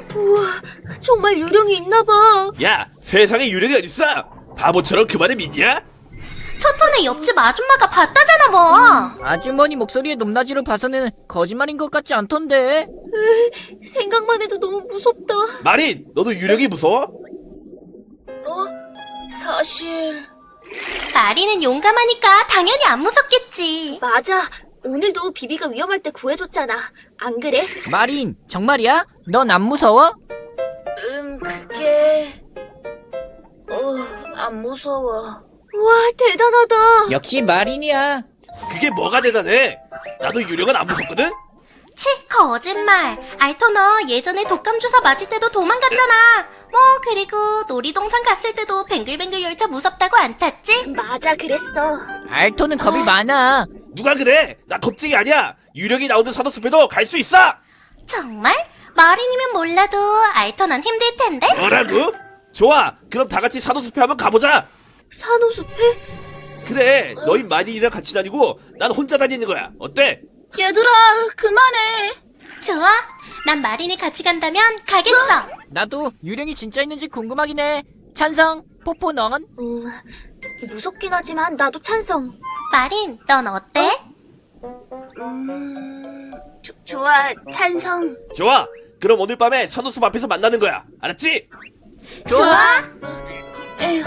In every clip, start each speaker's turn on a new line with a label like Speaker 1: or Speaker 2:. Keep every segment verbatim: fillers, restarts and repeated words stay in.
Speaker 1: 우와, 정말 유령이 있나봐.
Speaker 2: 야, 세상에 유령이 어딨어? 바보처럼 그 말을 믿냐?
Speaker 3: 토토네 옆집 아줌마가 봤다잖아 뭐.
Speaker 4: 아주머니 목소리의 높낮이를 봐서는 거짓말인 것 같지 않던데.
Speaker 1: 에이, 생각만 해도 너무 무섭다.
Speaker 2: 마린, 너도 유령이 무서워?
Speaker 1: 어? 사실...
Speaker 3: 마리는 용감하니까 당연히 안 무섭겠지.
Speaker 1: 맞아. 오늘도 비비가 위험할 때 구해줬잖아. 안 그래?
Speaker 4: 마린, 정말이야? 넌 안 무서워?
Speaker 1: 음, 그게... 어, 안 무서워. 와, 대단하다.
Speaker 4: 역시 마린이야.
Speaker 2: 그게 뭐가 대단해? 나도 유령은 안 무섭거든?
Speaker 3: 치, 거짓말. 알토 너 예전에 독감 주사 맞을 때도 도망갔잖아. 뭐 그리고 놀이동산 갔을 때도 뱅글뱅글 열차 무섭다고 안 탔지?
Speaker 1: 맞아, 그랬어.
Speaker 4: 알토는 겁이 많아.
Speaker 2: 누가 그래? 나 겁쟁이 아니야. 유령이 나오는 산호숲에도 갈 수 있어.
Speaker 3: 정말? 마린이면 몰라도 알토 넌 힘들 텐데?
Speaker 2: 뭐라고? 좋아, 그럼 다 같이 산호숲에 한번 가보자.
Speaker 1: 산호숲에?
Speaker 2: 그래, 너희 마린이랑 같이 다니고 난 혼자 다니는 거야. 어때?
Speaker 1: 얘들아, 그만해.
Speaker 3: 좋아. 난 마린이 같이 간다면 가겠어.
Speaker 4: 나도 유령이 진짜 있는지 궁금하긴 해. 찬성, 포포 넌?
Speaker 1: 음, 무섭긴 하지만 나도 찬성.
Speaker 3: 마린, 넌 어때?
Speaker 1: 음, 조, 좋아, 찬성.
Speaker 2: 좋아, 그럼 오늘 밤에 산호숲 앞에서 만나는 거야. 알았지?
Speaker 3: 좋아.
Speaker 1: 에휴.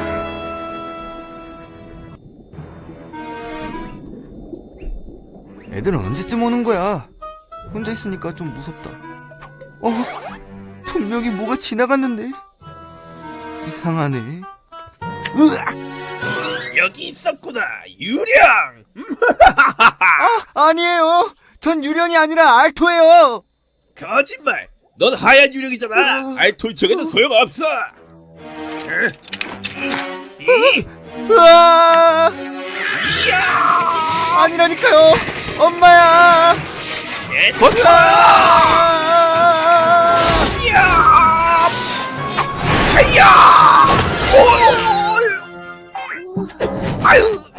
Speaker 5: 애들은 언제쯤 오는 거야? 혼자 있으니까 좀 무섭다. 어? 분명히 뭐가 지나갔는데? 이상하네. 으악!
Speaker 2: 여기 있었구나, 유령!
Speaker 5: 아, 아니에요. 전 유령이 아니라 알토예요.
Speaker 2: 거짓말! 넌 하얀 유령이잖아.
Speaker 5: 어.
Speaker 2: 알토인 척해도 소용없어. 응? 이,
Speaker 5: 으아!
Speaker 2: 이야!
Speaker 5: 아니라니까요. 엄마야.
Speaker 2: 계속
Speaker 5: 아!
Speaker 2: 이야! 하야! 오! 아유!